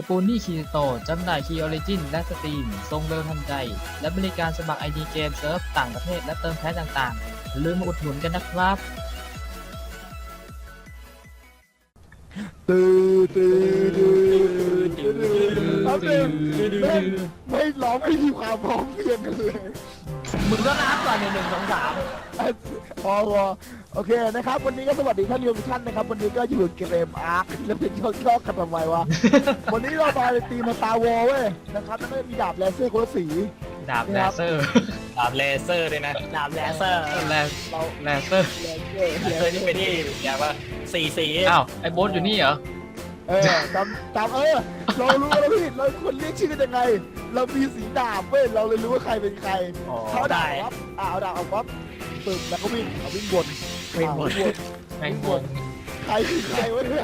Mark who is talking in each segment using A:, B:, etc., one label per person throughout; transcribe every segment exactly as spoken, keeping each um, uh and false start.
A: ปูนี่คีโตจำหน่ายคีย์ออริจินและสตรีมส่งเร็วทันใจและบริการสมัคร ไอ ดี เกมเซิร์ฟต่างประเทศและเติมแพ็คต่างๆอย่าลืมมาอุดหนุนกันนะครับ
B: ตื่นตื่นตื่นตื่นตื่นไม่ไม่ร้องไม่มีความพร้อมเพรียงกันเลย
C: มึงก็นับก่อนหนึ่งหนึ่งสองสาม
B: พอพอโอเคนะครับวันนี้ก็สวัสดีท่านผู้ชมทุกท่านนะครับวันนี้ก็อยู่เกมอาร์คแล้วเป็นชอบชอบกันทำไมวะวันนี้เรามาตีมาตาวอเว้ยนะครับแล้วก็มีดาบเลเซอร์คนละสี
A: ดาบเลเซอร์
D: ดาบเลเซอร์เลยนะ
C: ดาบเลเซอร์
A: เลเลเซอร์
D: เลเซอร์นี่เป็นที่อย่างว่าสีสี
A: อ้าวไอ้โบ๊ทอยู่นี่เหรอ
B: เออจำจำเออเรารู้แล้วพี่เราคนเรียกชื่อยังไงเรามีสีดาบเว้ยเราเลยรู้ว่าใครเป็นใครเขาดาบครับอ่าเอาดาบเอาป๊อปตึกแล้วก็วิ่งเอาวิ่งบน
C: วิ่งบน
A: แมงบน
B: ใครคือใครวะเนี่ย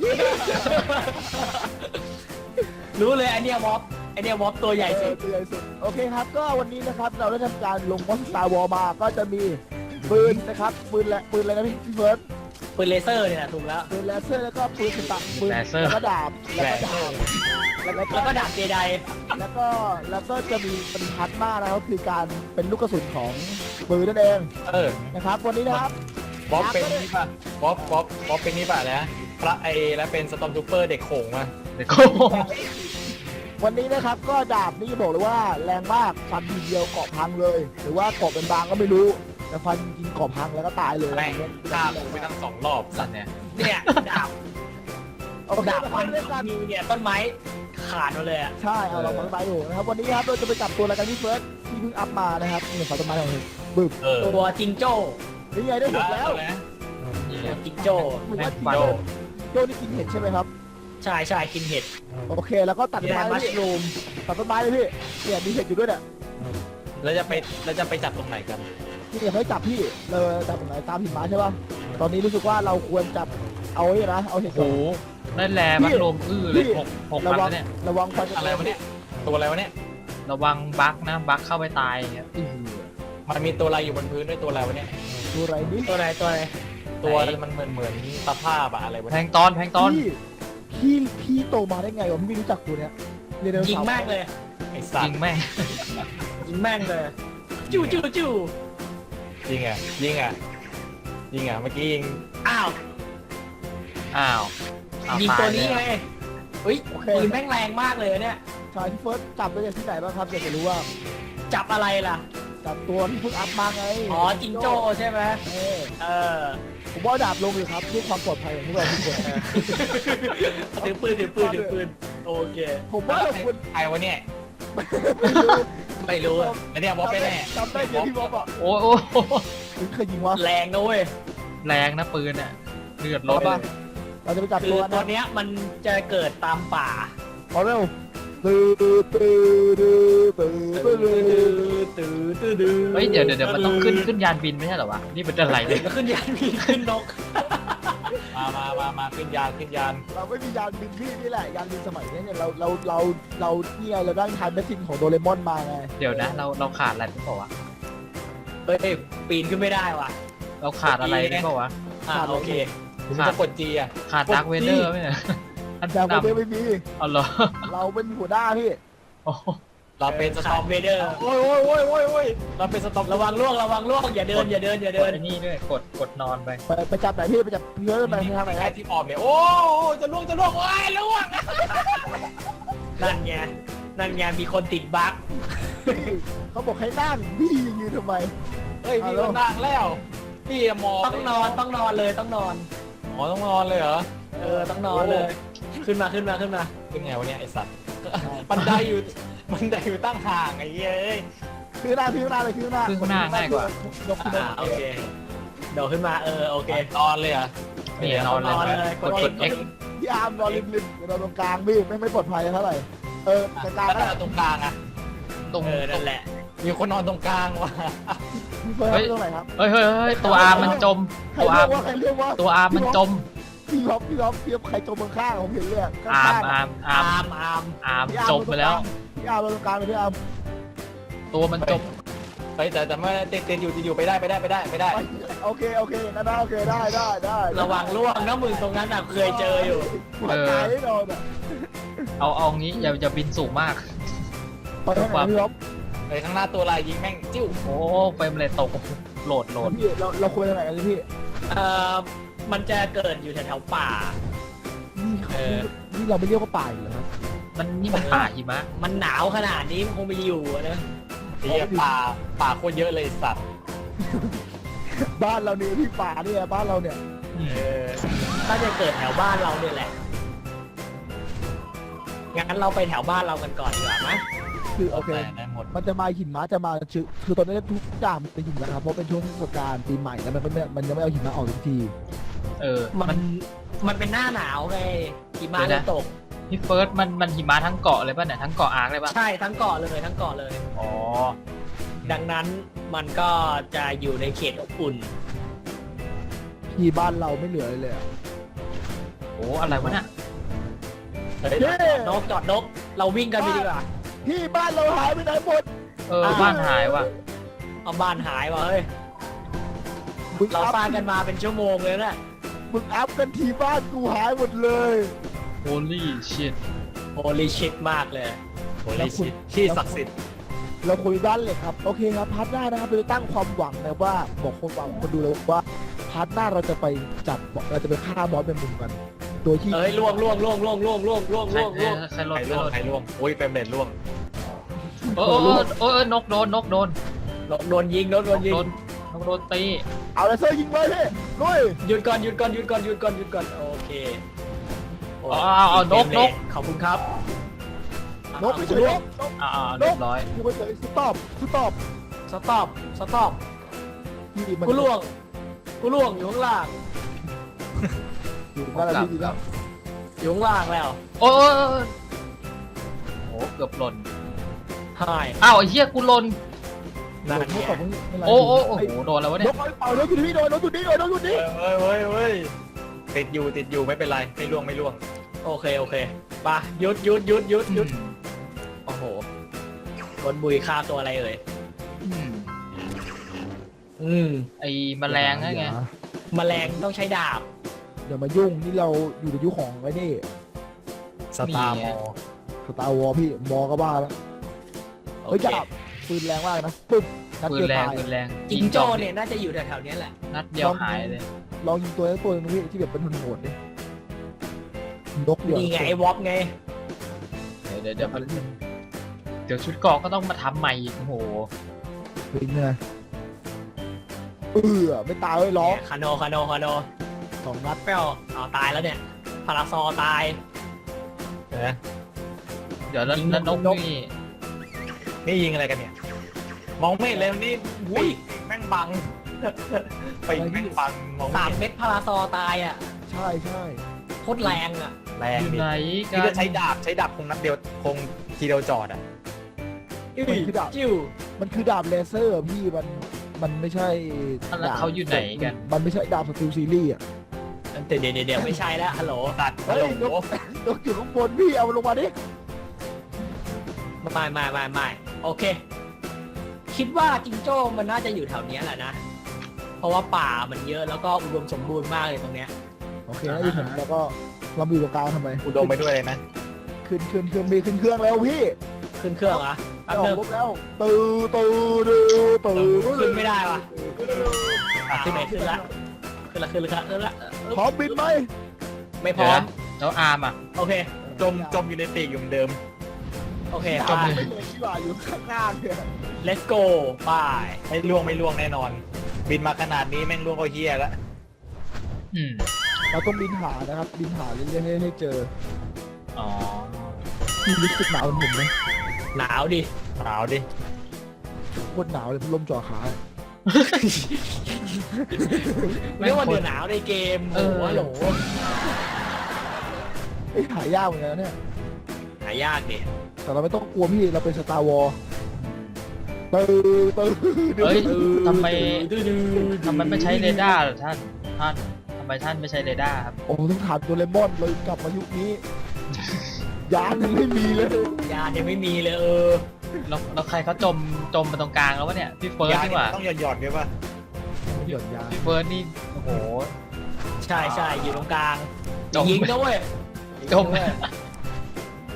C: รู้เลยไอเนี้ยม็อบไอเนี้ยม็อบตัวใหญ่สุด
B: ตัวใหญ่สุดโอเคครับก็วันนี้นะครับเราได้ทำการลงมอนสตาร์วอลมาก็จะมีปืนนะครับปืนและปืนอะไรนะพี่พี่เฟิร์ส
C: ปืนเลเซอร์เนี่ยถูกแล้ว
B: ปืนเลเซอร์แล้วก็ปืนตักปืนแล้วก็ดาบแล้วก็ดาบ
C: แล้วก็ดาบเจได
B: แล้วก็แล้วก็จะมีเป็นพัดมากนะครับคือการเป็นลูกกระสุนของปืนนั่นเอง
D: เออ
B: นะครับวันนี้นะครับ
D: บ๊อบเป็นนี่ป่ะบ๊อบบ๊อบบ๊อบเป็นนี่ป่ะนะพระไอแล้วเป็นสตอมทูเปอร์เด็กโขงมา
A: เด็กโขง
B: วันนี้นะครับก็ดาบนี่บอกเลยว่าแรงมากฟันทีเดียวเกาะพังเลยหรือว่าเกาะเป็นบางก็ไม่รู้แต่ฟันกินเกาะพังแล้วก็ตายเลย
D: แม่งฆ่าผมไปทั้งสองรอบสัตว์เนี่ย
C: เนี่ยดาบดาบฟันมีเนี่ยต้นไม้ขาดมาเลยอ่ะ
B: ใช่เอาเราต้นไม้อยู่นะครับวันนี้ครับเราจะไปจับตัวอะไรกันที่เฟิร์สที่เพิ่งอัพมานะครับนี่ขอต้นไม้ของเราบึ้ม
C: ตัวจิงโจ้
B: นี่ไงได้หมดแล้ว
C: จิงโจ้
B: ผมว่าจิงโจ้โจ้นี่กินเห็ดใช่ไหมครับ
C: ใช่ใช่กินเห็ด
B: โอเคแล้วก็ตัดต้นไม้มัชรูมตัดต้นไม้เลยพี่เนี่ยมีเห็ดอยู่ด้วยเนี่ย
D: แล้วจะไปแล้วจะไปจับตรงไหนกัน
B: พี่เดี๋ยวให้จับพี่เราจับตรงไหนตามหิมะใช่ป่ะตอนนี้รู้สึกว่าเราควรจับเอาไว้นะเอาเห็ด
A: โอ้นั่นแหละมันลมอื้อเลยหกหกพันเนี่ย
B: ระวังฟัน
D: อะไรวะเนี่ยตัวอะไรวะเนี่ย
A: ระวังบั๊กนะบั๊กเข้าไปตายอย่างเงี้ย
D: มันมีตัวอะไรอยู่บนพื้นด้วยตัวอะไรวะเนี่ย
B: ตัวอะไรนี่
C: ตัวอะไรตัวอะไร
D: ตัวมันเหมือนเหมือนตะภาพอะอะไรวะ
A: แพงตอนแพงตอน
B: พี่พี่โตมาได้ไงวะพี่ไม่รู้จักตัวเนี้ย
C: ยิงแม่งเลย
D: ไอ้สัตว์
A: ยิงแม่ง
C: ยิงแม่งเลยจู่จู่จู่
D: ยิงอ่ะยิงอ่ะยิงอ่ะเมื่อกี้ยิง
C: อ้าว
A: อ้าว
C: ยิงตัวนี้ไงเฮ้ยปืนแม่งแรงมากเลยเนี่ย
B: ชายที่เฟิร์สจับได้ที่ไหนบ้างครับอยากจะรู้ว่า
C: จับอะไรล่ะ
B: จับตัวที่เพิ่งอัพมาไง
C: อ๋อจิงโจ้ใช่ไหมเออ
B: ผมว่าดาบลงเลยครับเพื่อความปลอดภัยของพวกเราทุกคน
C: ถือปืนถือปืนถือปืนโอเค
B: ผมว่าคุณ
D: ไอ้วะเนี่ย
C: ไม่รู้
D: แล้วเนี่ยบ๊อบไปแน่
B: จำได้เดี๋ยวพี่บ๊อบอ่ะ
A: โอ้โห
B: เคยยิงวะ
C: แรงนะเว้ย
A: แรงนะปืนอ่ะเลือดลด
B: เราจะไปจับตัว
C: ตัวเนี้ยมันจะเกิดตามป่า
B: เอาเร็วตื่นตื่นตื่นตื่นตื่นตื่นตื่นตื่น
A: เฮ้ยเดี๋ยวเดี๋ยวมันต้องขึ้นขึ้นยานบินไม่ใช่หรอวะนี่เป็นอะไรเนี่ย
C: ขึ้นยานบินขึ้นนก
D: มามามามาขึ้นยานขึ้นยาน
B: เราไม่มียานบินพี่นี่แหละยานบินสมัยนี้เนี่ยเราเราเราเราเนี่ยเราได้ทานแมชชีนของโดเรมอนมาไง
A: เดี๋ยวนะเราเราขาดอะไรหรือเปล่าวะ
C: เฮ้ยปีนขึ้นไม่ได้ว่ะ
A: เราขาดอะไรหรือเปล่าวะ
C: อ่าโอเค
D: ขาดกดจีอ่ะ
A: ขาดดาร์คเวเดอร์ไหมเนี่ย
B: อันดาร์คเวเดอร์ไม่มี
A: อ๋อเหรอ
B: เราเป็นหัวหน้าพี่
D: เราเป็นสตอมเวเดอร์
C: โอ้ยโอ้ยโอ้ยโอ้ยโอ้ย
D: เราเป็นสตอม
C: ระวังล่วงระวังล่วงอย่าเดินอย่าเดินอย่าเดิน
A: นี่ด้วยกดกดนอนไป
B: ไปจับไหนพี่ไปจับเยอะไปทางไหน
D: ไอ้ที่ออมเนี่ยโอ้จะล่วงจะล่วงโอ้ยล่วง
C: นั่นไงนั่นไงมีคนติดบั๊ก
B: เขาบอกให้นั่งพี่ยืนทำไม
D: เฮ้ยพี่ก็นั่งแล้วพี่มอง
C: ต้องนอนต้องนอนเลยต้องนอน
D: อ๋อต้องนอนเลยเหรอ
C: เออต้องนอนเลยขึ้นมาขึ้นมาขึ้นมา
D: ขึ้นไงวะเนี่ยไอสัตว์บันไดอยู่บันไดอยู่ตั้งห่างไอ้เย้ย
B: คือหน้าคือหน้าเลยคือหน้า
A: คือหน้าง่ายกว่า
C: โอเคเดี๋ยวขึ้นมาเออโอเคน
D: อนเลยอ่ะ
A: นี่นอนเลยกดกด X
B: พี่อาร์มนอนริมๆนอนตรงกลางพี่ไม่ไม่ปลอดภัยเท่าไหร่เออกลาง
D: ก็ตรงกลางอ่ะ
C: ตรงนั่นแหละ
D: มีคนนอนตรงกลางว่ะ
A: เฮ้ยเฮ้ยเฮ้ยตัวอาร์มันจมตัวอาร์ตัวอาร์มันจม
B: พี่ล็อกพี่ล็อกพี่ล็อกใครจมบนข้างผมเห็นเลย
A: อาร์มอาร์มอาร์ม
C: อาร์ม
A: อาร์มจมไปแล้ว
B: พี่อาร์มตรงกลางเลยพี่อาร์ม
A: ตัวมันจม
D: ไปแต่แต่ไม่ติดติดอยู่อยู่ไปได้ไปได้ไปได้ไปได้
B: โอเคโอเคนะได้โอเคได้ได้ได้
C: ระวังล่วงนะมึงตรงนั้นอ่ะเคยเจออยู่
B: หัวใจโดนอ่ะ
A: เอาเอางี้อย่าอย่าบินสูงมาก
B: ไปทางไหนพี่บ๊อบ
D: เฮ้ยข้างหน้าตัวลายยิงแม่งจิ้ว
A: โอ้เฟรมเลยตกโหลดโหลด
B: พี่เราเราควรไปทางไหนกันพี่
C: เอ่อมันจะเกิดอยู่แถวๆป่า
B: นี่
C: เออ
B: นี่เราไม่เรียกว่าป่าอยู่แล้วครับ
A: มันนี่มันป่าหิมะ
C: มันหนาวขนาดนี้มันคงไปอยู่อะนะ
D: เฮียป่าป่าโคตรเยอะเลยสัตว์
B: บ้านเราเนี่ยพี่ป่าเนี่ยบ้านเราเนี่ย
D: เออ
C: น่าจะเกิดแถวบ้านเราเนี่ยแหละงั้นเราไปแถวบ้านเรากันก่อนดีกว่าไหม
B: คือโอเค
D: แต่ได้หมด
B: มันจะมาหิมะจะมาคือคือตอนนี้ทุกอย่างมันเป็นหิมะครับเพราะเป็นช่วงเทศกาลปีใหม่แล้วมันไม่มันยังไม่เอาหิมะออกทุกที
A: เออ
C: มั
A: มัน น
C: มันเป็นหน้าหนาวไงหิมะ
A: เดี๋
C: จะ
A: ยวนะ
C: ตก
A: พี่เฟิร์สมันมันหิมะทั้งเกาะเลยป่ะเนี่ยทั้งเกาะอาร์คเลยป่ะ
C: ใช่ทั้งเกาะเลยทั้งเกาะเลย
A: อ๋อ
C: ดังนั้นมันก็จะอยู่ในเขตอบอุ่น
B: ที่บ้านเราไม่เหลือเลยเลยอะ
A: โอ้อะไรวะเนี่ย
D: เฮ้ย
B: เย้
C: นกจอดนก เราวิ่งกันไปดีกว่า
B: ที่บ้านเราหายไปไหนหมด
A: เออบ้านหายว่ะ
C: เอาบ้านหายว่ะเฮ้ย
B: มึง
C: เรา
B: อัพ
C: สร้างกันมาเป็นชั่วโมงเลยนะ
B: มึงอัพกันทีบ้านกูหายหมดเลย
A: holy shit
C: โอลิชิตมากเลย
D: โอ้ยชิที่ศักดิ์สิทธิ์
B: เราคุยบ้านเลยครับโอเคครับพาร์ทหน้านะครับเราจะตั้งความหวังนะว่าบอกคนหวังคนดูเลยว่าพาร์ทหน้าเราจะไปจับเราจะไปฆ่าบอสเป็นมุมกัน โดยที่
C: เอ้ยล่วงล่วงล่วงล่วงล่วงล่วงล่วง
A: ใคร
C: ล่วงล่วง
A: ใครหล่
D: ใคร
A: นใคร
D: ล่ว
A: ห
D: ง
A: ล่น
D: ใครล่วงโอ้ยเฟรมเรทล่วง
A: เออเออเออเออนกโดนนกโดน
C: โดนยิงโดนโดนยิง
A: โดนนกโดนตี
B: เอาเลเซอร์ยิงเลยพี่ลุย
C: หยุดก่อนหยุดก่อนหยุดก่อนหยุดก่อนหยุดก่อนโอเคโ
A: อ๋อเอาเอานกนก
C: ขอบคุณครับ
B: นกไม่ใช่
C: ล่
B: น
C: วง
B: กนก
A: อ่าอ่าเรียบร้อย
B: กูไปเฉยสต็อปสต็อป
C: สต็อปสต็อป
B: พี่มัน
C: กูล่วงกูล่วงอยู่ข้างล่าง
B: อยู่นั่นแหละพี่ดีแล้ว
C: อยู่ข้างล่างแล้ว
A: โอ้ยโอ้ยโอ้ยโอ้เกือบหล่น
C: หาย
A: อ้าวไอ้เหี้ยกูหล่น
C: นั่น
B: นก
C: ไง
B: ตอบไม่เป็นไร
A: โอ้โอ้โอ้โหโดนแล้ววะ
B: น
A: เนี่ย
B: กเอาเป่านกอยู่ที่พี่โดนนกอยู่นี่โดนนกอยู่นี่
D: เฮ้ยเฮ้ยเฮ้ยติดอยู่ติดอยู่ไม่เป็นไรไม่ล่วงไม่ล่วง
C: โอเคโอเคไปหยุดหยุดหยุดหยุดหยุดโอ้โหบนบุยฆ่าตัวอะไรเอ่ย
A: อืม
C: อืม
A: ไอ้แมลงนั่นไง
C: แมลงต้องใช้ดาบ
B: อย่ามายุ่งนี่เราอยู่ในยุคของไอ้นี่
D: สตาร์มอ
B: สตาร์วอลพี่มอก็บ้าแล้ว
C: โอ
B: เฮ้ย
C: เค
B: จับปืนแรงมากนะปึ๊บนัด
A: ปืน
B: เดียว
A: แรง
B: ตาย
A: ปืนแรง
C: จิงโจ้เนี่ยน่าจะอยู่แถวๆเนี้ยแหละ
A: นัดเดียวหายเลย
B: ลองยิงตัวนั้นตัวนึงพี่ที่แบบเป็นหุ่นโหดดินกเดียว
C: นี่ไงไอ้วอปไง
A: เดี๋ยวเดี๋ยวเดี๋ยวเดี๋ยวชุดเกราะก็ต้องมาทำใหม่อีกโอ้โห
B: เป็นไงเออไม่ตายเลยล้อ
C: เนี่ยคาโนคาโนคาโน
B: สองนัด
C: เปรี้ยวเอาตายแล้วเนี่ยพาราซอตาย
D: นะ
A: เดี๋ยวแล้ว
C: ยิง
A: แล้วนก
C: นก
A: นี่
D: นี่ยิงอะไรกันเนี่ย มองไม่เห็นเลยนี่อุ้ยแม่งบังไปแม่งบังมอง
C: สาม
D: ไม่เห็น
C: เม็ดพาราซอตายอ่ะ
B: ใช่ใช่
C: โคตรแรงอ่ะ
D: แรง
A: อยู่
D: ดิ
A: ไหนกั
D: นี่
A: น
D: จะใช้ดาบใช้ดาบคงนัดเดียวคงทีเดียวจอดอ่ะ
C: อื้อจิ้ว
B: มันคือดาบเลเซอร์อะพี่มันมันไม่ใช่
A: แล้วเขาอยู่ไหนกัน
B: มันไม่ใช่ดาบสติลซีรีส์อ่ะ
C: เดี๋ยวเดี๋ยวเดี๋ยวไม่ใช่แล้วฮัลโหล
D: ตัด
B: เฮ้
D: ฮัล
B: ย
D: โหล
B: นกนกอยู่ข้างบนพี่เอามันลงมาดิ
C: ไม่ไม่ไม่ไม่โอเค คิดว่าจิงโจ้มันน่าจะอยู่แถวเนี้ยแหละนะ เพราะว่าป่ามันเยอะแล้วก็อุดมสมบูรณ์มากเลยตรงเนี้ย
B: โอเคนะที่ผมแล้วก็เราอยู่ตรงกลางทำไม
D: อุดมไปด้วยเลยนะ
B: ขึ้นขึ้นขึ้นมีขึ้นเครื่องแล้วพี่
C: ขึ้นเครื่องเหรอแป๊บ
B: ออ
C: นึ
B: ก
C: ง
B: รบแล้วตื่นตื่นตื่นตื่น
C: ขึ้นไม่ได้ว่ะ
D: อ่ะ
C: ขึ้นไหนขึ้นละขึ้นละขึ้นละขึ้นละ
B: พร้อมบินไหม
C: ไม่พร้อม
A: แล้วอาร์มอ่ะ
C: โอเค
D: จมจมอยู่ในปีกอยู่เหมือนเดิม
C: โอเค
B: จ
C: ไป
B: มไม่เลยที่ว่าอยู่ข้างหน้าเนี่ย
C: let's go ไป
D: ไม่ล่วงไม่ล่วงแน่นอน บินมาขนาดนี้แม่งล่วงก็เฮียแล้ว
A: อืม
B: เราต้องบินหานะครับ บินหาเรื่อยๆให้ให้เจอ
A: อ๋อ
B: พี่รู้สึกหนาวเหมือนผมไหม
C: หนาวดิ
D: หนาวดิ
B: โคตรหนาวเลยพัดลมจ่อขา
C: เรียกว่าเดือดหนาวในเกมโอ้โหฮัลโหล
B: ไอ้ยหายากเหมือนกันนะเนี่ย
C: หายากดิ
B: แต่เราไม่ต้องกลัวพี่เราเป็นสตาร์วอลตื่นตื่น
A: เฮ้ยทำไม
C: ดื้อดื้อ
A: ทำไมไม่ใช้เรดาร์ล่ะท่านท่านทำไมท่านไม่ใช้เรดาร์ครับ
B: โอ้ต้องถามโดเรมอนเลยกลับมายุคนี้ ยานยังไม่มีเลย
C: ยายังไม่มีเลยเออ
A: แล้วแล้วใครเขาจมจมมาตรงกลางแล้ววะเนี่ยพี่เฟิร์ส
D: ยา
A: นี่
D: นี่
A: หว่า
D: ต้องหย่อนหย่อนด้วยป่ะ
B: หย่อนยาน
A: พี่เฟิร์สนี่โอ้โห
C: ใช่ใช่อยู่ตรงกลาง
A: จม
C: ยิงนะเว้ย
A: จม
C: ยิงนะเว้ย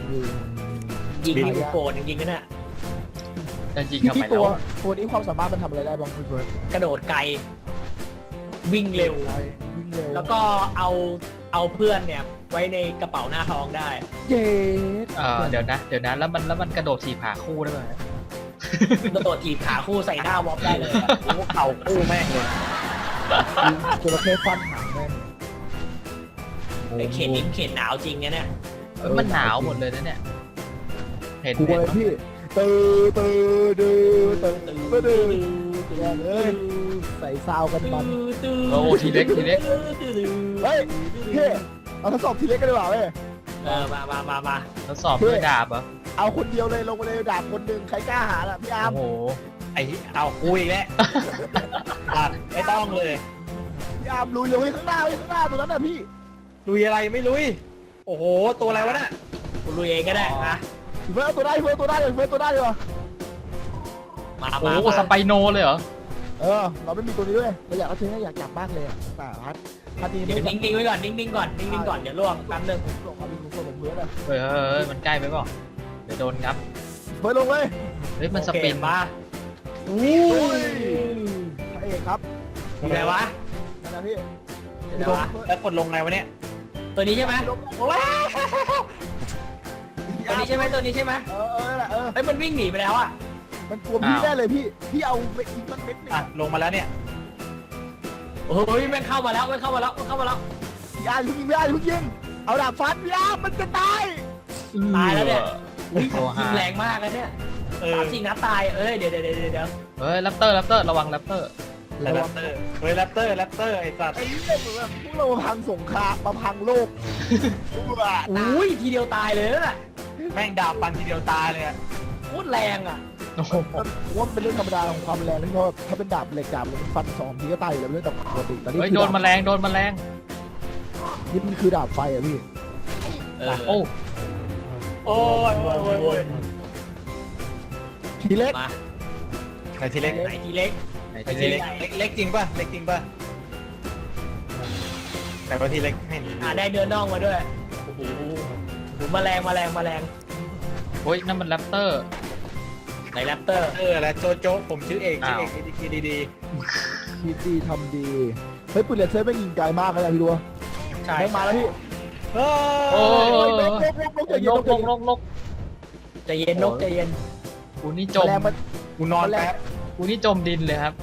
C: ยิงนี่กูโกรธจริงๆนะเนี่ย
A: จะยิง
B: พี่
A: ทำไม
B: ที่ตัว
A: แล้ว
B: ตัวนี้ความสามารถมันทำอะไรได้บ้างพี่เบิร์ด
C: กระโดดไกลวิ่งเร็ว
B: วิ่งเร็ว
C: แล้วก็เอาเอาเพื่อนเนี่ยไว้ในกระเป๋าหน้าท้องได้
B: เย้
A: เออเดี๋ยวนะเดี๋ยวนะแล้วมันแล้วมันกระโดดถีบขาคู่ได้ไหม
C: กระโดดถีบขาคู่ใส่หน้าวอปได้เลยอะ
D: โอ้เข่าคู่แม่งเลย
B: จระเข้ฟันหางแม่ง
C: ไอ้เข็นนิ้มเข็นหนาวจริงนะเนี่ย
A: เอ้ยมันหนาวหมดเลยนะเนี่ยเห็น
B: กลัว
A: เห็น
B: เลยพี่ตื่นตื่นตื่นตื่นตื่นตื่นตื่นเลยใส่ซาวกันมัน
A: โอ้ทีเล็กทีเล็ก
B: เฮ้ยพี่เอาทดสอบทีเล็กกันดีกว่าเว้ย
C: เออมามามามา
A: ทดสอบด้วยดาบเหรอ
B: เอาคนเดียวเลยลงมาเลยดาบคนหนึ่งใครกล้าหาล่ะพี่อาร์ม
A: โอ้โห
D: ไอ้เอาคุยแล้วตัดไม่ต้องเลย
B: พี่อาร์มลุยเลยข้างหน้าข้างหน้าตรงนั้นน่ะพี่
D: ลุยอะไรไม่ลุย โอ้โหตัวอะไรวะน่ะ
C: กูลุยเองก็ได้นะ
B: เฟิร์สตัวได้เฟิร์สตัวได้เลยเฟิร์สตัวได้เลย
C: มา
A: โอ้
C: มา
A: โหสไปโนเลยเหรอ
B: เออเราไม่มีตัวนี้ด้วยเราอยากเอาเธออยากจับมากเลยแต่พัดพัดนี้
C: เดี๋ยวนิ่งๆไว้ก่อนนิ่งๆก่อนนิ่งๆก่อนเดี๋ยวล่วงแป๊บนึง
B: ส่งเอาเป็นส่งเฟิร์สอ่ะ
A: เฮ้ยเฮ้ยเฮ้ยมันใกล้ไปเปล่าเดี๋ยวโดนงับ
B: เฟิร์สลงเลย
A: เฮ้ยมันสปิน
C: โอเคมา
B: อู้ยพระเอกครับ
C: ทำไรวะ
B: นั่นนะพี่
C: เดี๋ยววะ
D: แล้วกดลงไงวะเนี่ย
C: ตัวนี้ใช่ไหม
B: ลง
C: โอ้ยตัวนี้ใช่ไหมตัวนี้ใช่ไหม
B: เออเออแหละเออ
C: เฮ้ยมันวิ่งหนีไปแล้วอ่ะ
B: มันกลัวพี่ได้เลยพี่พี่เอาไปอีกมันเม็ดนึง
D: อ่ะลงมาแล้วเนี่ย
C: โอ้ยมันเข้ามาแล้วมันเข้ามาแล้วมันเข้ามาแล้ว
B: พี่อาร์มยิงพี่อาร์มยิงเอาดาบฟันพี่อาร์มมันจะตาย
C: ตายแล้วเนี่ย
A: อุ้ยโอ้
C: ยิ
A: หาง
C: แรงมากนะเนี่ย
D: เออ
C: สามสี่นัดตายเอ้ยเดี๋ยวเดี๋ยวเดี๋ยวเดี๋ยว
A: เฮ้ยแรปเตอร์แรปเตอร์ระวังแรปเตอร์
D: แรปเตอร์เฮ้ยแรปเตอร์แรปเตอร์ไอ้สัตว์
B: ไอ้เนี่ยเหมือนแบบพวกเรามาพังสงครามมาพังโลกว้า
C: อุ้ยทีเดียวตายเลยน่ะ
D: แม่งดาบฟันทีเดียวตายเลยอะ
C: โคตรแรงอ่ะ
A: โอ้โห
B: ผมว่ามันเป็นเรื่องธรรมดาของความแรงที่เพราะถ้าเป็นดาบเหล็กดาบมันฟันสองทีก็ตายอยู่แล้วเรื่องปกติแต่นี่
A: เฮ้ย
B: คือ
A: โดนแมลงโดนแมลง
B: นี่มันคือดาบไฟอะพี่
C: เออ
A: โอ้
D: โอ้ยโอ้ยโอ้ยโอ้ย
B: ทีเล็ก
C: มา
D: ไหนทีเล็ก
C: ไหนทีเล็ก
A: ไหน
D: ไหน
A: ที
D: ที
A: เล็
D: เล็
A: ก
D: กเล็กเล็กจริงป่ะเล็กจริงป่ะแต่ว่าทีเล็กไม่เห็น
C: อ่าได้เดินน่องมาด้วยโอ้โหโอ้โหแมลงแมลงแมลง
A: โอ้ยนั่นมันแรปเตอร์
C: ไหนแรปเตอร์
D: เออแล้วโจโจผมชื่อเอกชื่อเอกดีดีดี
B: คิดดีทำดีเฮ้ยปืนเลเซอร์ไม่ยิงไกลมากเลยนะพี่ดู
C: ใช่
B: แม่งมาแล้วพี่
D: เฮ้
A: โอ้
D: ย
B: ลกลกลกลกใจ
A: น
B: เย็น
A: กนกนกนก
C: ใจเย็นนกใจเย็น
A: กูนี่จ
B: แม
A: ม
B: ลงมัน
D: กูนอนแป๊บ
A: กูนี่จมดินเลยครับ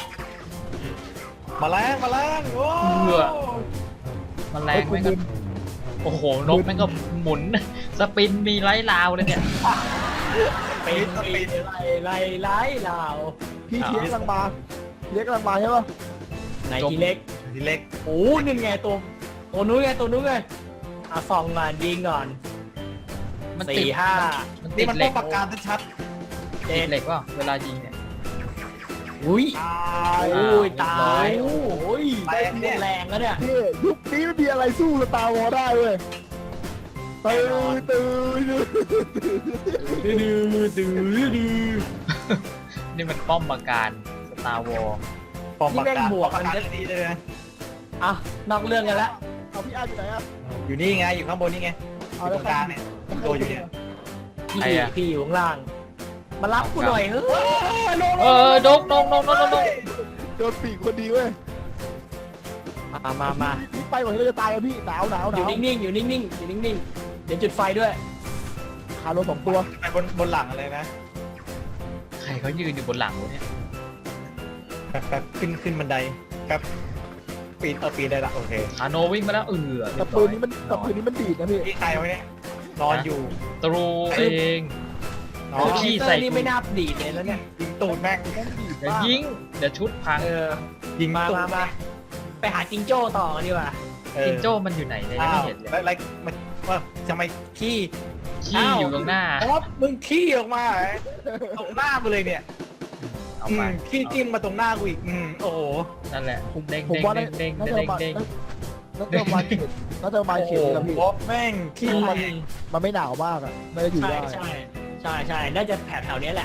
D: มาแล้งมาแล้งโอ้
A: เบื่อ แมลงแม่งก็โอ้โหนกแม่งก็หมุน สปินมีไร้ลาวเลยเนี่ย
C: เป็นปีไล่ไล่ไล่ลาว
B: พี่ทีเล็กกำลังมาทีเล็กกำลังมาใช่ปะ
C: ไหนทีเล็ก
D: ทีเล็ก
C: โอ้นี่ไงตัวตัวนู้นไงตัวนู้นไงอ่ะส่องก่อนยิงก่อน
A: มันติด
C: สี่ห้า
A: มันติ
D: นี่
A: ด
D: มัน
A: เหล็
D: ต้อก งประการชัด
C: เจ็
A: ติ
C: ด
A: ดเหล็กว่าเวลายิงเนี่ย
C: อุ้ย
D: ตาย
C: โอ้ยตายโอ้ย
D: แรงเนี่ย
C: แรงแล้วเนี่ย
B: พี่ยุคนี้ไม่มีอะไรสู้สตาร์วอลได้เว้ยตื่นตื่น
C: ดื้อดื้อดื้อดื้อ
A: นี่มันป้อมปราการสตาร์วอล
D: ปอมประการประการดีเลยนะ
C: อ่ะนอกเรื่องกันแล้ว
B: เอาพี่อาร์อยู่ไหนอะ
D: อยู่นี่ไงอยู่ข้างบนนี่ไงอยู่ตรงกลางเนี่ยตัวอยู่เนี่ย
C: พี่พี่อยู่ข้างล่าง มารับกูหน่อยเฮ้ย
A: เออดกดกดกดกดก
B: โดนปีกคนดีเว้ย
C: มามามา
B: พี่ไปก่อนที่เราจะตายอะพี่หนาวหนาวห
C: อยู่
B: นาว
C: นิ่งๆอยู่นิ่งๆอยู่นิ่งๆเดี๋ยวจุดไฟด้วย
B: ขาโดนสองตัว
D: ไปบนบนหลังอะไรนะ
A: ใครเขายืนอยู่บนหลังวะเนี่ย
D: แป๊บแป๊บขึ้นขึ้นบันไดแป๊บปีนเออปีนได้ละโอเค
A: คาโนวิ่งมาแล้วเออ
B: แต่ปืนนี้มันแต่ปืนนี้มันดีดนะพี่
D: พี่ใครไว้เนี่ยนอนอยู่
A: ตรูเอง
D: น
A: โอ้
D: อน
A: ขี้
C: ขี้
A: ใส่
C: ใส่นี่
A: กู
C: ไม่น่าดีดเลยแล้วเนี่ย
D: ยิงตูดแม่ง
B: แม่งดีด
A: เดี๋ยว
B: มาก
A: ยิงเดี๋ยวชุดพัง
C: เออ
D: ยิง
C: มา
D: ตูด
C: มามาไปหาจิงโจ้ต่อกันดีกว่า
D: เออ
A: จิงโจ้มันอยู่ไหนเนี่ยยัง
D: อ้า
A: ไม่
D: ว
A: เห็นเลย
D: แล้วอะไรมันว่าทำไมขี้
A: ขี้อยู่ตรงหน้า
D: เพราะว่ามึงขี้ออกมาเหรอตรงหน้ากูเลยเนี่ย
A: เอา
D: อื
A: ไป
D: มขี้จิ้มมาตรงหน้ากูอีกอืมโอ้โห
A: นั่นแหละเด้ง
B: ผม
A: เด้ง
B: ว่า
A: เด้งเด้ง
B: น่าจะ
A: เด้ง
B: มา
A: เด้ง
B: น่าจะมาเขียนน่าจะมา
D: โอ้
B: เขี
D: โห
B: ยนแล้วพี่
D: บ๊อบแม่งขี้
C: ใช่
D: มัน
B: มันไม่หนาวมากอะไม่ได้อยู่
C: ใช่
B: ได้
C: ใช่ใช่ใช่น่าจะแถวแถวๆเนี้ยแหละ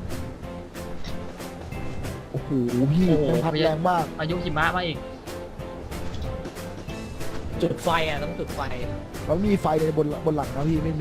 B: โอ้โหพี่มันพัดแรงมาก
A: อายุหิมะมาอีก
C: จุดไฟอ่ะต้องจุดไฟ
B: แล้วมีไฟในบนบนหลังนะพี่ไม่มี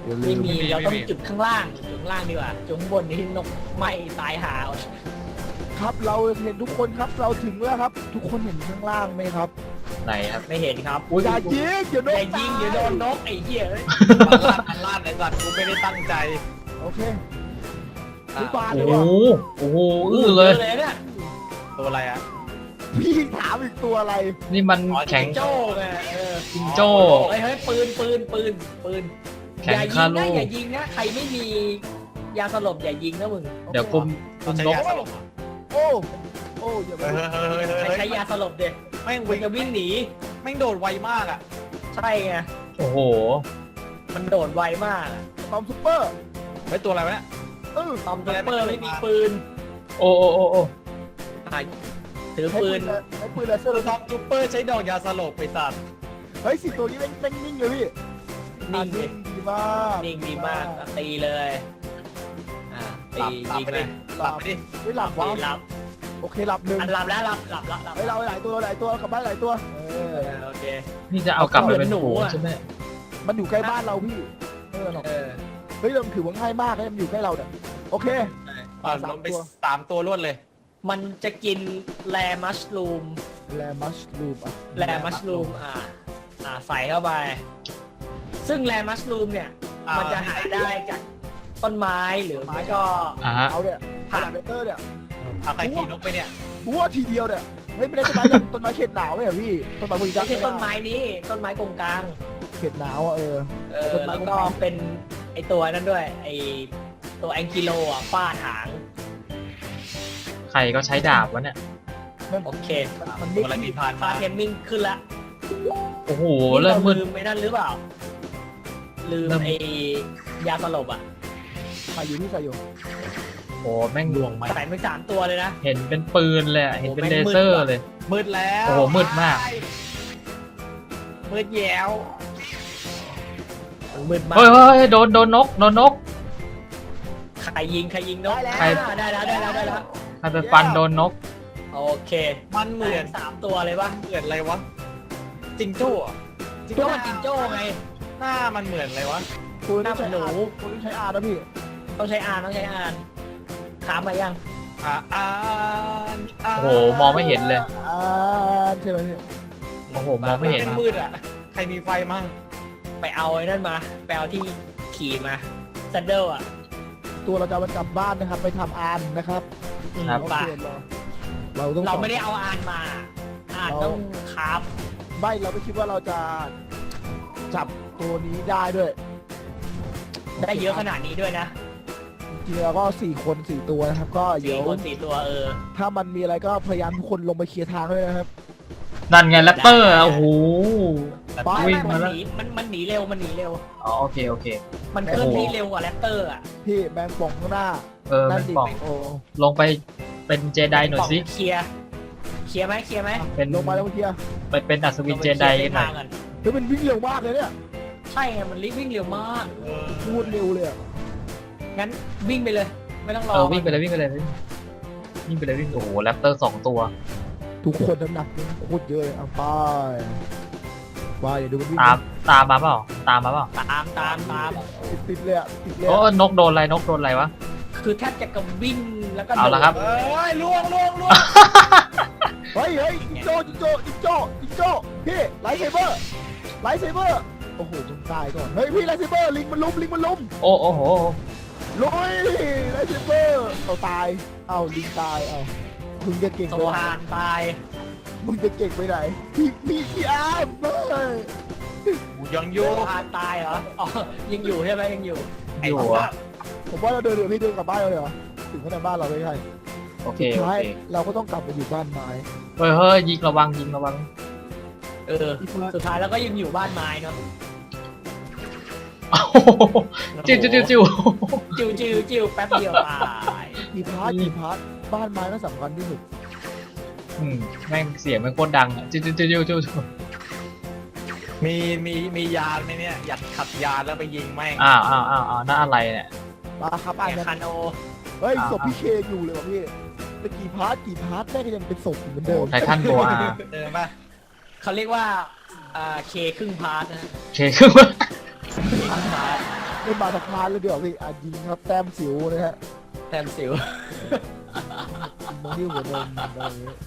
B: อย่าลื
C: ไม่
B: ม
C: มี
D: ไม่มี
C: เราต้อง
D: ไม่มี
C: จุดข้างล่างจุดข้างล่างดีกว่าจุดข้างบนนี้นกไหม้ตายหาเอา
B: ครับเราเห็นทุกคนครับเราถึงแล้วครับ ทุกคนเห็นข้างล่างไหมครับ
A: ไหนครับ
C: ไม่เห็นครับ
B: อย่ายิงเดี๋ยวโด
C: อน ย่ายิงเดี๋ยวโดนนกไอ้เหี้ยเอ้ย
D: มันลั่นมันลั่นไอ้สัตว์กูไม่ได้ตั้งใจ
B: โอเค
D: อ่ะ
B: พี่บาล
A: โอ้
B: เลย
A: โห
B: ว่ะ
A: โอ้โหอื้อเลย
C: เลยเนี่ย
D: ตัวอะไรอ่ะ
B: พี่ถามอีกตัวอะไร
A: นี่มัน
D: อ๋อ
A: แข็ง
C: โจ้ไงเออ
A: จิงโจ้
C: เฮ้ยเฮ้ยปืนปืนปืนปืน
A: แข็ง
C: อย่ายิ
A: คาง
C: นะ
A: ลู
C: อย่ายิงนะใครไม่มียาสลบอย่ายิงนะมึง
A: เดี๋ยวคุมคุ
D: ต้อ
A: ม
D: งใช้
A: นก
D: ยาสลบอ่ะ
B: โอ้โอ้อย่าไป
D: เฮ้ยเฮ้ยเฮ้ยเฮ้ย
C: ใคร
D: เฮ้ย
C: ใช้ยาสลบเด็
D: แม่ง
C: มั
D: วิ่
C: น
D: ง
C: จะวิ่งหนี
D: แม่งโดดไวมากอ่ะ
C: ใช่ไง
A: โอ้โห
C: มันโดดไวมาก
B: ตอมซุปเปอร์
D: เฮ้ยตัวอะไรวะเนี่ย
B: เออ
C: ตอมซุปเปอร์ไม่มีปืน
A: โอ้โอ้โอ้โอ้
C: อ่ะถือ
B: ใช้
C: ปื
B: ปื
C: น
B: นใช้ปืนเลเซอ
D: ตัว
B: ร์
D: ท็อปซูเปอร์ใช้ดอกยาสลบไปสัตว์
B: เฮ้ยสิตัวนี้แม่งแม่งนิ่งเลยพี่
C: นิ่งดิ
B: อ่ะดีมาก
C: นิ่งดีมากอ่ะตีเลยอ่า
D: ห
C: ตี
D: ลับหลับ
C: ยิง
D: ไป
C: เล
D: ดิ
C: ย
D: หลับไปดิ
B: เฮ้ยหลับ
C: ตี
B: วะ
C: หลับ
B: โอเคหลับหนึ่ง
C: อันหลับแล้วหลับหลับหลับหลับ
B: เฮ้ยเราหลายตัวหลายตัวกลับบ้านหลายตัวเอ
C: เอ
B: อ
C: อโอเค
A: นี่จะเอากลับไปเป็น
C: หนู
A: หนู
C: อะ
A: ใช่ไหม
B: มันอยู่ใกล้บ้านเราพี่เออหรอก
C: เออ
B: เฮ้ยเราถือว่าง่ายมากเลยมันอยู่ใกล้เราเนี่ยโอเค
D: อ่ะลงไปสามตัวรวดเลย
C: มันจะกินแรมัชลูม
B: แลมัชลูปอ่ะ
C: แรมัชลูมอ่าอ่าใส่เข้าไป ซึ่งแรมัชลูมเนี่ย
D: อ่ามั
C: มันจะหาได้จากต้นไม้หรือไม่ก็
A: อ่าฮะ
B: เอาเนี่ยผ่านเบเตอร์เนี่ย
D: เอาใครขี่นกไปเนี่ย
B: บัวทีเดียวเนี่ยเฮ้ยไม่ได้ต้นไม้ต้นไม้เขตหนาวไหมเหรอพี่ต้นไม้พวกนี้
C: ไม่ใช่ต้นไม้นี้ ต้นไม้กงกลาง
B: เขตหนาวอ่ะเออ
C: เออแล้วก็เป็นไอตัวนั้นด้วย ไอตัวแองกิโลอ่ะฟาดหาง
A: ใครก็ใช้ดาบวะเนี่ย
C: โอเค
B: มัน
D: ตั
B: ไม่
D: วอะไรมีพาน
C: ฟา
D: มา
C: เทมมิ่งขึ้นละ
A: โอ้โห
C: นี่
A: เริ่ม
C: เรา
A: มืด
C: ลืมไม่นั่นหรือเปล่า ลืม
A: เริ่ม
C: ไอ ยาสลบอ่ะ
B: ใส่อยู่ที่ใส่อยู่
A: โอ้แม่ง
D: ดวงไหม
C: ใส่ไปสามตัวเลยนะ
A: เห็นเป็นปืนเลยอะเห็นเป็น
C: โอ้
A: เล
C: แม่งมืด
A: เซอร์
C: ว่ะ
A: เลย
D: มืดแล้ว
A: โอ้โหมืดมาก
D: มืดแย้ว
C: มืดมาก
A: เฮ้ยเฮ้ยเฮ้ยโดนโดนนกโดนนก
C: ใครยิงใครยิงนก
A: ใคร
C: ได้แล้วได้แล้วได้แล้ว
A: ใครไปฟันโดนนก
C: โอเค
D: มันเหมือน
C: สามตัวเลยปะ
D: เหมือนอะไรวะจิงโจ้อะ
C: จิงโจ้มันจิงโจ้ไง
D: หน้ามันเหมือนอะไรวะ
B: คุณ
C: หน้า
B: ต้อง
C: เหมื
B: ใช้
C: อนหนู
B: อาร์คุณต้องใช้อาร์นะพี่
C: ต้องใช้อ่านต้องใช้อ่านถามมายัง
D: อ่าอ่านาน
A: โอ้โหมองไม่เห็นเลย
B: อาร์ใช่ไหมพี่
A: โอ้โหมองไม่เห็น
D: เป็นมืดอ่ะ ใครมีไฟมั่ง
C: ไปเอาไอ้นั่นมาไปเอาที่ขี่มาซันเดิลอ่ะ
B: ตัวเราจะเอามันกลับบ้านนะครับ ไปทำอาร์นะครับ
A: ครับ
B: โอ
C: ป่ะ
B: เคเราเราต้อง
C: เราไม่ได้เอาอ่านมา อ่านต้องคราฟ
B: ไม่เราไม่คิดว่าเราจะจับตัวนี้ได้ด้วย
C: ได้เยอะขนาดนี้ด้วยนะ
B: จริงๆเราก็สี่คนสี่ตัวนะครับ ก็เดี๋
C: สี่
B: ยว
C: คนสี่ตัวเออ
B: ถ้ามันมีอะไรก็พยายามทุกคนลงไปเคลียร์ทางด้วยนะครับ
A: นั่นไงแรปเตอร์อะโอ้โห
B: ไป
C: ไม่
A: วิ่ง
C: ไม่
A: มา
C: มัน
A: แล้ว
C: หนีมันมันหนีเร็วมันหนีเร็ว
A: อ๋อโอเคโอเค
C: มันเคลื่อนที่เร็วกว่าแรปเตอร์อ่ะ
B: พี่แมงป่องข้างหน้า
A: เออ
B: นั่
A: เป็น น
B: ดิ
A: ป่อง
B: โอ้
A: ลงไปเป็นเจไดหน่อยสิ
C: เคลียร์เคลียร์ไหมเคลียร์ไหม
A: เป็น
B: ลงมาแล้วเมื่อกี้
A: ไปเป็นอัศวินเจไดกันหน่อย
C: ลงไปเคลียร์เส้นทางกัน
B: เฮ้ยมันวิ่งเร็วมากเลยเนี่ย
C: ใช่ไงมันรีบวิ่งเร็วมาก
D: เออ
B: พูดเร็วเลยอะ
C: งั้นวิ่งไปเลย ไม่ต้องรอ
A: เออวิ่งไปเลยวิ่งไปเลยวิ่งไปเลยวิ่งโอ้โหแรปเตอร์สองตัว
B: ทุกคนน้ำหนักนี่โคตรเยอะเลยเอาไปไปอย่าดูมันวิ่ง
A: ตามตามมาเปล่าตามมาเปล่า
C: ตามตามตาม
B: ติดติดเลยอะติดเลย
A: โอ้
B: อะ
A: นกโดนอะไรนกโดนอะไรวะ
C: คือแทบจะกับวิ่งแล้วก็
A: เอาละครับ
C: โดด
D: เอ้ยล่วงล่วงล่วง
B: เฮ้ยเฮ้ยจิงโจ้จิงโจ้จิงโจ้จิงโจ้พี่ไลท์เซเบอร์ไลท์เซเบอร์โอ้โหมึงตายก่อนเฮ้ยพี่ไลท์เซเบอร์ลิงมันลุมลิงมันลุม
A: โอ้โอ้โห
B: ลุยไลท์เซเบอร์เอาตายเอาลิงตายเอามึงจะเก่ง
C: โซ
B: ไปไหน
C: ฮานตาย
B: มึงจะเก่งไปไหนพี่พี่พี่อาร์มเฮ้ย
D: กูยังอ
C: โซ
D: ยู่
C: ฮานตายเหรออ๋อยังอยู่ใช่ไหมยังอยู่
A: อยู่อะ
B: ผมว่าเราเดินเดี๋ยวพี่เดินกลับบ้านเราเลยเหรอถึงขนาดบ้านเราไม่ใช่
A: โอเค
B: สุด
A: โอ
B: ท้าย
A: เค
B: เราก็ต้องกลับมาอยู่บ้านไม้
A: เฮ้ยเฮ้ยยิงระวังยิงระวัง
C: เออ สุดท้ายแล้วก็ยังอยู่บ้านไม้เนาะ
A: โอ้โหจิ้วจิ้วจิ้วจิ้ว
C: จิวจิวจิวแป๊บเดียวตาย
B: กี่พาร์ทกี่พาร์ทบ้านไม้ก็สำคัญที่สุด
A: อืมแม่งเสียงแม่งโคตรดังอะจิ้วจิ้วจิ้วจิ้วจิ้ว
D: มีมีมียานไหมเนี่ยอยากขับยานแล้วไปยิงแม่ง
A: อ้าวอ้าวอ้าวอ้าวนั่นอะไรเนี่ย
B: มาครับอ่าน
C: ไอ้
B: กัน
C: คาโน
B: เฮ้ย
A: อ่า
B: ศพพี่เคอยู่เลยว่ะพี่แต่กี่พาร์ทกี่พาร์ทแม่งก็ยังเป็นศพอยู่เหมือนเดิม
A: ไททันโบอา
D: เจอป่ะ
C: เขาเรียกว่าอ่าเคครึ่งพาร์ทนะ
A: โอเคคือว่า
C: เคครึ่งพาร์ท
B: เล่นบาสะพานเลยเดี๋ยวพี่อ่ะยิงครับแต้มสิวนะฮะ
C: แต้มสิว
B: มองที่หัวนมอะไรอย่างเงี้ย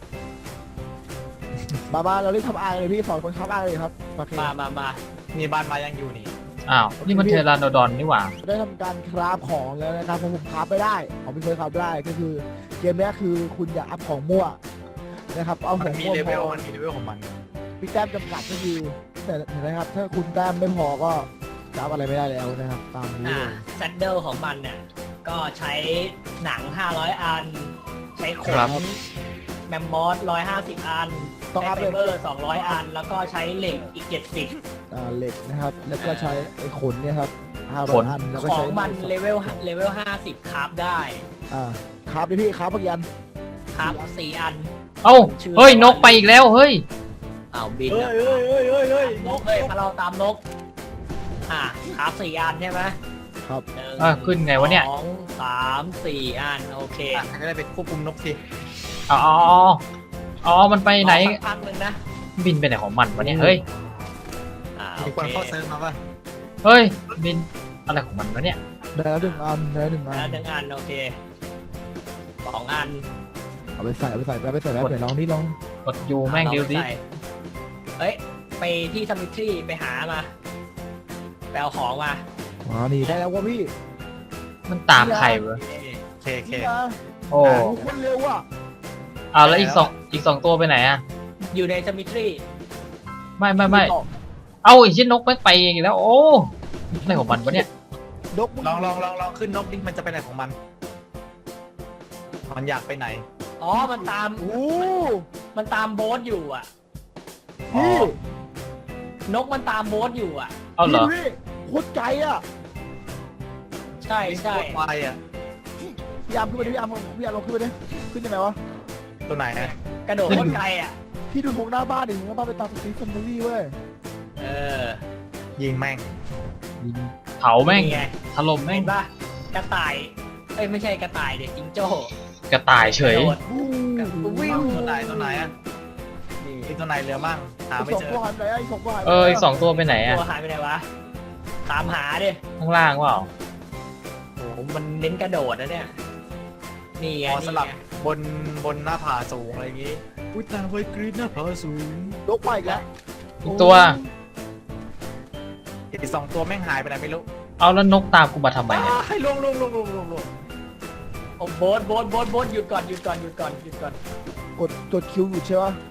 B: มามาเราเล่นทำอายเลยพี่สอนคนทำอายเลยครับโอเค
C: มามามา
D: มีบ้านมายังอยู่นี่
A: อ้าว นี่มันเทรานโดอนนี่หว่า
B: ได้ทำการคราฟของแล้วนะครับเพราะผมคราฟไม่ได้ผมไม่เคยคราฟได้ก็คือเกมนี้คือคุณอย่าอัพของมั่วนะครับเอาข
D: มั
B: อน ง
D: มี
B: มั่ว
D: เล
B: พ
D: เวล
B: อ
D: มันมีเลเวลของมัน
B: มีแต้มจำกัดก็คือแต่เห็นไหมครับถ้าคุณแต้มไม่พอก็คราฟอะไรไม่ได้แล้วนะครับตามนี้
C: อ่า
B: เลย
C: แซดเดิลของมันเนี่ยก็ใช้หนังห้าร้อยอัน ใช้ข
A: ครับ
C: นแมมมอสหนึ่งร้อยห้าสิบอัน
B: ต้อง
C: ใช้
B: อัพ
C: ไฟ
B: เลย
C: เบอร์สองร้อยอัน แล้วก็ใช้เหล็กอีกเจ็ดสิบ
B: อ่าเหล็กนะครับแล้วก็ใช้ไอ้ขนเนี่ยครับห้า
A: ข
B: ร้อย
A: น
B: อันแล้วก็
C: ขอ
B: ใช้
C: งมันเลเวลเลเวลห้าสิบคราฟได้
B: อ่าคราฟดิพี่คราฟเมื่อกี้อัน
C: คราฟสี่อัน
A: เอ้า เฮ้ย นกไปอีกแล้ว เฮ้ย
C: อ้าวบิน
D: เฮ้ย
C: อะ
D: เฮ้ยเฮ้ยเฮ้ยเฮ้ย
C: นกเฮ้ยมาเราตามนก อ่าคราฟสี่อันใช่ไหม
B: ครับ
C: หนึ่ง
A: อ่ะขึ้นไงวะเนี่ย
C: สองสามสี่อัน โอเค
D: อ่ะก็ได้ไปควบคุมนกสิ
A: อ๋ออ๋ออ๋อ มันไปไหน
C: รอสักพักหนึ่งนะ
A: บินไปไหนของมันวะเนี่ย เฮ้ย
C: อ่า
D: มี
C: โอ
D: คน
C: เค
D: เข้าเซิร์ฟมาป่ะ
A: เฮ้ย บินอะไรของมันวะเนี่ย
B: ได้แล้วหนึ่งอันได้แล้วหนึ่งอั
C: แล้ว
B: น
C: หนึ่งอันโอเคสองอัน
B: เอาไปใส่เอาไปใส่เอาไปใส่แล้วเดี๋ยวลองนี่ลอง
A: กดยูแม่ง
C: อา
A: เดียวดิ
C: ไปใส่เฮ้ย ไปที่ซัมมิทรีไปหามาไปเอาของมา
B: อ๋อนี่ได้แล้วว่ะพี่
A: มันตามใครวะ
D: เคเค
B: นี่นะ
A: โอ้
B: โอ้โหคนเร็วอ่ะ
A: เอาแล้วอีกสองอีกสองตัวไปไหนอะ
C: อยู่ในซัมมิทรี
A: ไม่ไม่ไม่เอาอีกชิ้นนกแม่งไปอีกแล้ว โอ้อะไรของมันวะเนี่ย
B: นกมึ
D: ลองลองลองลองขึ้นนกดิมันจะไปไหนของมัน มันอยากไปไหน
C: อ๋อ มันตาม
B: โอ้
C: มันตามโบ๊ทอยู่อ่ะ
B: พี่
C: นกมันตามโบ๊ทอยู่อ่ะ
A: เอาเหรอ
B: พี่โคตรไกลอ่ะ
C: ใช่ใช่
D: โคตรไวอ่ะ
B: พี่ยามขึ้นไปดิพี่ยามพี่ยามลงขึ้นไปดิขึ้นยังไงวะ
D: ตัวไหนฮะ
C: กระโดดโคตรไกลอ่ะ
B: พี่ดูทงหน้าบ้านดิทงหน้าบ้านไปตามสตรีทแฟมิลี่เว้ย
C: เออ
D: ยิงแม่ง
A: เผาแม่ง
C: นี่ไง
A: ถล่มแม่
C: เห็
A: ง
C: นปะกระต่าย เอ้ยไม่ใช่กระต่ายเด็กจิงโจ้
A: กระต่ายเฉย
C: กระโดด
B: วู้
C: วิ่ง
D: ตัวไหนตัวไหนอ่ะ
C: นี่
D: มีตัวไหนเหลือมั่งหาไม่
B: สอง
D: เจอ
B: ตัวหายไปไหนไอ้สองตัวหายไป
A: เอออีกสองตัวไปไหนอะ
C: ตัวหายไปไหนวะ ตามหาดิ
A: ข้างล่างเปล่า
C: โอ้โหมันเน้นกระโดดนะเนี่ย นี่ไง
D: พอส
C: นี่
D: ลับ
C: ไง
D: บนบนหน้าผาสูงอะไรอย่างงี้อุ้ยตาไวกรีดหน้าผาสูง
B: นกไปอีกแล้ว
A: อีกตัว
D: อีกสองตัวแม่งหายไปไหนไม่รู้
A: เอาแล้วนกตามกูมาทำไมเนี่ย
D: ให้ลงลงลงลงลงลง
C: โอ้โบ๊ทโบ๊ทโบ๊ทโบ๊ทหยุดก่อนหยุดก่อนหยุดก่อนหยุดก่อน
B: กดกดคิวอยู่ใช่ปะ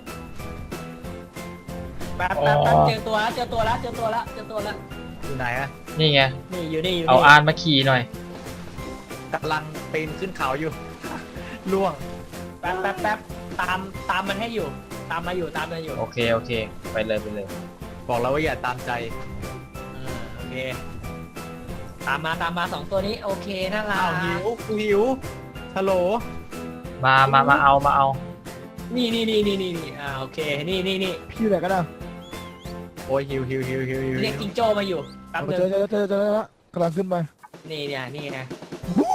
C: แป๊บแป๊บแป๊บเจอตัวแล้วเจอตัวแล้วเจอตัวแล้วเจอตัวแล้ว
D: อยู่ไหนอะ
A: นี่ไง
C: นี่อยู่นี่อยู่
A: เอา
C: นี่
A: อานมาขี่หน่อย
D: กำลังปีนขึ้นเขาอยู่ ล่วง
C: แป๊บแป๊บแป๊บตามตามมันให้อยู่ ตามมาอยู่ตามมาอยู่
A: โอเค โอเค ไปเลยไปเลย
D: บอกแล้วว่าอย่าตามใจ
C: เออโอเค ตามมาตามมาสองตัวนี้โอเคน่ารั
D: อ้าว
C: ก
D: หิวกูหิวฮัลโหล
A: มามามาเอามาเอา
C: นี่นี่นี่นี่นี่นี่อ่าโอเคนี่นี่นี่
B: พี่อยู่ไหนกันนะ
D: โอ้ยหิวหิวหิวหิวหิว
C: เรียกจิงโจ้มาอยู่แป๊บ
B: เอา
C: นึง
B: เจอเจอเจอเจอแล้วกำลังขึ้นไป
C: นี่เนี่ยนี่ไง
B: วู้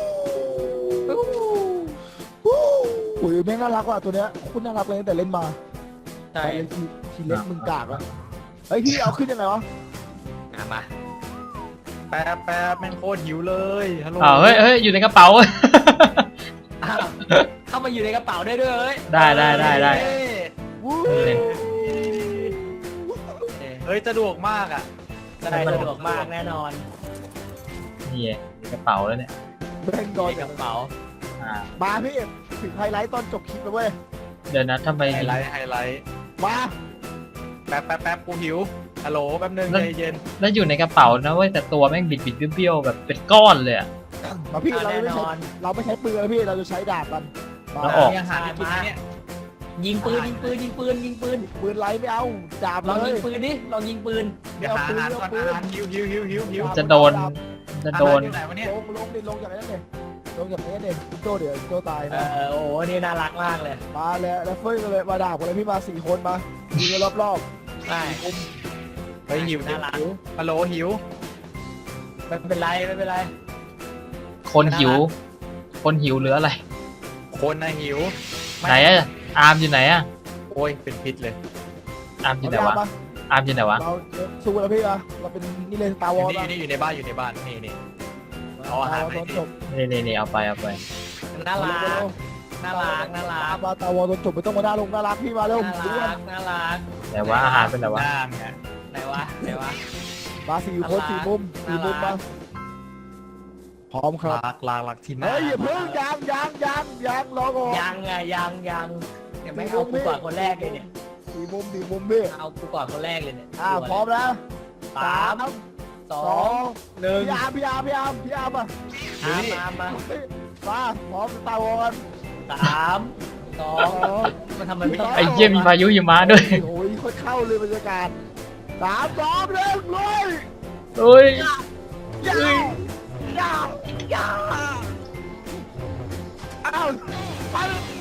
B: วู้โอ้ยแม่งน่ารักว่ะตัวเนี้ยโคตรน่ารักเลยตั้งแต่เล่นมา
C: ใช่
B: แต่เล่นทีทีเล็กมึงกากอะเฮ้ยพี่เอาขึ้นยังไงวะ
C: อ่ะมา
D: แป๊บแป๊บแม่งโคตรหิวเลยฮัลโหล
A: อ้าวเฮ้ยเฮ้ยอยู่ในกระเป๋า
C: อ้าวเข้ามาอยู่ในกระเป๋าได้ด้วยเอ้ย
A: ได้ได้ได้ได้
D: เฮ้ย
B: วู้
A: นี่
D: เฮ้ยสะดวกมากอ่ะ
C: ได้สะดวกมากแน่นอน
A: นี่ไงในกระเป๋าแล้วเนี่ย
B: แม่งโดน
C: ในกระเป๋า
A: อ่า
B: มาพี่ถึงไฮไลท์ตอนจบคลิปแล้วเว้ย
A: เดี๋ยวนะทำไม
D: ไฮไลท์ไฮไลท์
B: มา
D: แป๊บแป๊บแป๊บกูหิวฮัลโหลแป๊บนึงใจเย็น
A: แล้วอยู่ในกระเป๋านะเว้ยแต่ตัวแม่งบิดบิดเบี้ยวๆแบบเป็นก้อนเลยอะ
B: มาพี่
C: อ่ะ
B: เรา
C: แน่
B: ไม่
C: น
B: ใช้
C: อน
B: เราไม่ใช้ปืนแล้วพี่เราจะใช้ดาบกันมา
A: แล้วออก
D: มีอาหารให้กินไหมเนี่ย
C: ยิงปืนยิงปืนยิงปืนยิงปืน
B: ปืนไล่ไม่เอาดาบ
C: ลอง
B: เล
C: ยิ
B: ย
C: งปืนดิลองยิงปืน
D: เดี๋ยวหาอาหารก่อนอาหารหิวหิวหิวหิวหิว
A: จะโดนจะโดน
D: อาหารอยู่ไหนวะเนี่ย
B: ลงลงดิลงจากนั้นเลยลงจากนี้เลยโจเดี๋ยวโจตาย
C: เอ
B: นะ
C: อโอ้โหนี่น่ารักมากเลย
B: มาแล้วแล้วเฟ้ยเลยมาดาบกันเลยพี่มาสี่คนมายิงกันรอบ
C: ใช่
D: เฮ้ยหิว
C: น่ารัก
D: ฮัลโหลหิว
C: ไม่เป็นไรไม่เป็นไร
A: คนหิว คนหิวหรืออะไร
D: คนนะหิว
A: ไหนอะอาร์มอยู่ไหนอะ
D: โอ้ยเป็นพิษเลย
A: อาร์ม
B: ๆ
A: อยู่
B: เอา
A: ไหน
B: ดาบ
A: วะ
B: มา
A: อาร์มอยู่ไหนวะ
B: เราสู้แล้วพี่อะเราเป็นนี่เลยสตาร์
D: อ
B: วอยู่ ร์
D: นี่อยู่นี่อยู่ในบ้านอยู่ในบ้านนี่นี่ เอาอาหารไป
B: ตอนจบ
A: นี่นี่นี่เอาไปเอาไป
C: น่ารักน่ารักน่ารัก
B: มาสตาร์วอร์ตอนจบไม่ต้องมาด่าลงน่ารักพี่มาเร็ว
C: น่า
B: ด้ว
C: รั
B: ย
C: กน่ารัก
A: แต่ว่าอาหารเป็นแต่ว่า
D: หน้าไง
C: ไหนวะไหนวะ
B: มาสี่คนสี่มุมสี่มุม
C: น่ารั
B: มาก พร้อมครับ
D: ลากลากลากที่หน้า
B: เฮ้ยอย่าเพิ่งยังยังยังยังรอก่อน
C: ยังไงยังยังเดี๋ยวไม่เอากูก่อนคนแรกเลยเนี่ย
B: สี่มุมสี่มุมพี่
C: เอากูก่อนคนแรกเลยเนี่ย
B: อ่าพร้อมแล้ว
C: สามส
B: ส
C: อ
B: อง ง
C: หนึ่ง
B: พี่อาร์มพี่อาร์มพี่อาร์มพี่อาร์มมา
C: มามามา
B: มาพร้อมสตาร์วอร์
C: สามสอ
B: ส
C: ง
B: อง
C: มันทำไมไม่
A: ไอ้เยี่ยมีพายุหิมะด้วย
B: โอ้ยค่อยเข้าเลยบรรยากาศสามสองหนึ่งเลย
A: เฮ้ย
B: ยาวยาวยาวอ้าวไป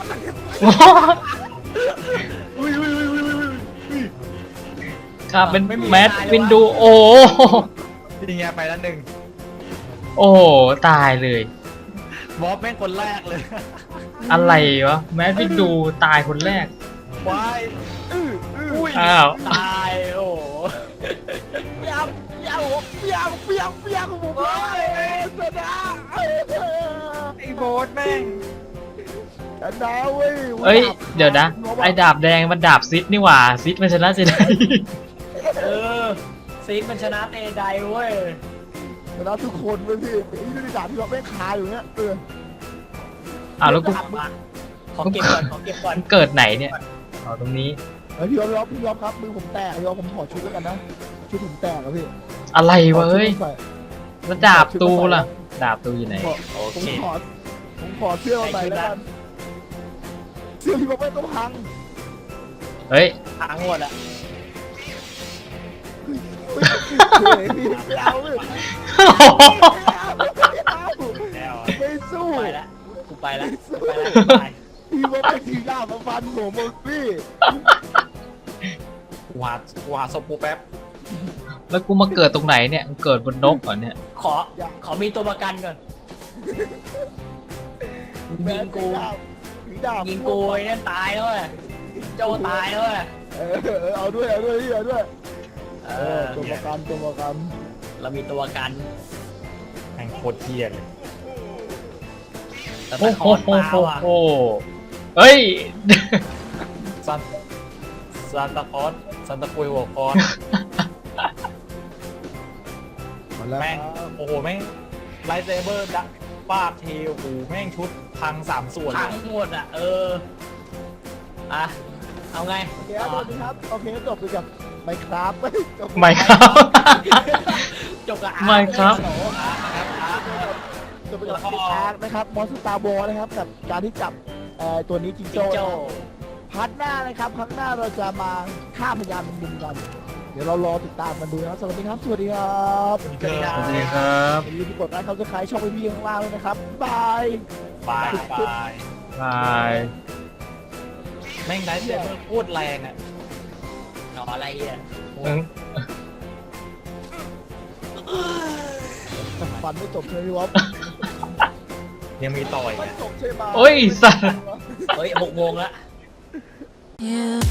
B: อุ้ยอุ้ยอุ้ยอุ้ยอุ้ย
A: ครับเป็นแมทวินดูโอ้
D: นี่ไงไปแล้วหนึ่ง
A: โอ้ตายเลย
D: บอสแม่งคนแรกเลย
A: อะไรวะแมทวินดูตายคนแรก
D: วาย
B: อื้ออื้อ
A: อ้าว
C: ตายโอ้โห
B: เปียกเปียกเปียกเปียกเปียกผมเลยชนะ
D: ไอ้โบสแม่ง
B: ชนะเว้ย
A: เอ้ยเดี๋ยวนะไอ้ดาบแดงมันดาบซิดนี่หว่าซิดมันชนะสิได้
C: เออซีนมันชนะเตไดเว้ย
B: ชนะทุกคนเว้ยพี่ไอ้นี่ดาบที่เราแม่งคาอยู่เนี่ยเออ
A: อ้าวแล้วกู
C: มาขอเก็บก่อนขอเก็บก่อน
A: มันเกิดไหนเนี่ยเอาตรงนี้
B: เฮ้ยพี่ยอมพี่ยอมพี่ยอมครับมือผมแตกพี่ยอมผมขอชุดแล้วกันนะชุดผมแตกอะพี่
A: อะไรวะเอ้ย
B: ขอชุดมาใส่
A: แล้วดาบตูล่ะ ดาบตูอยู่ไหน
B: ขอ
D: โอ
B: ผม
D: เค
B: ขอผมขอเสื้อมาใส่แล้วกันเสื้อพี่บอกไม่ต้องพัง
A: เฮ้ย
C: พังหมดอะ
B: เฮ้ยพี่ไม่เอาเลยไม่เอาไม่เอา
D: แล้ว
B: ไม่สู้
C: ไปละกูไปละ
B: ไม่สู้
C: ไปละกูไป
B: พี่บอกไม่ถือดาบมาฟันผมมึงพี่
D: กูหากูหาศพกูแป๊บ
A: แล้วกูมาเกิดตรงไหนเนี่ยเกิดบนนกก่อนเนี่ย
C: ขอขอมีตัวประกันก่อนยิงกู
B: ถือดาบ
C: ยิงกูไอ้นั่นตายแล้วเว้ยโจตายแล้วเว้ย
B: เออเออเอาด้วยเอาด้วยพี่เอาด้วย
C: เอ
B: เออ
C: อ
B: ตัวประกันตัวประกัน
C: เรามีตัวประกัน
D: แม่งโคตรเทียเลย
C: แต่
A: โอ้
C: ตะ
A: โห
C: คอน
A: โอ้
C: มา
A: โห
C: ว่ะ
A: โอ้เฮ้ย
D: ซันซันตาคอสซันตาคุยหัวคอน
B: มาแล้ว
D: แม่ง
B: ครับ
D: โอ้โหแม่งไลท์เซเบอร์ดักฟาดเทลโอ้โหแม่งชุดพังสามส่วน
C: พั
D: เล
C: ง
D: ย
C: หมดอ่ะ เอออ่ะเอาไง
B: โอเคครับสวัสดีครับโอเคจบไปกับไมครับ จบ
A: ไม่ครับ
C: จบกับอา
A: ไม่ครับ
C: โอ้โหอาร์ครับอาร์
B: จบไปกับอาร์คนะครับมอนสตาร์บอลนะครับกับการที่จับเอ่อตัวนี้จิง
C: จิง
B: โจ้
C: โจ้
B: พาร์ทหน้านะครับครั้งหน้าเราจะมาฆ่าพยานมุมกัน เดี๋ยวเรารอติดตามกันดูนะครับสวัสดีครับสวัสดีครับ
D: สวัสดีค
A: ส
D: รับ
A: วัสดีครับ
B: อย่าลืมกดไลค์เขาจะขายช่องพี่ข้างล่างด้วยนะครับบาย
D: บายบาย
A: บาย
D: แม่งไลท์เซเบอร์โคตรแรงอ่ะ
C: หนออะไรอ่ะ
A: อืม
B: ฟันไม่จบใช่ไหมพี่วอฟ
D: ยังมีต่อย
B: ไม่
D: อ่ะ
B: จบใช่ไหม
A: โอ้ยสัส
C: เฮ้ยหกโมงละ
E: You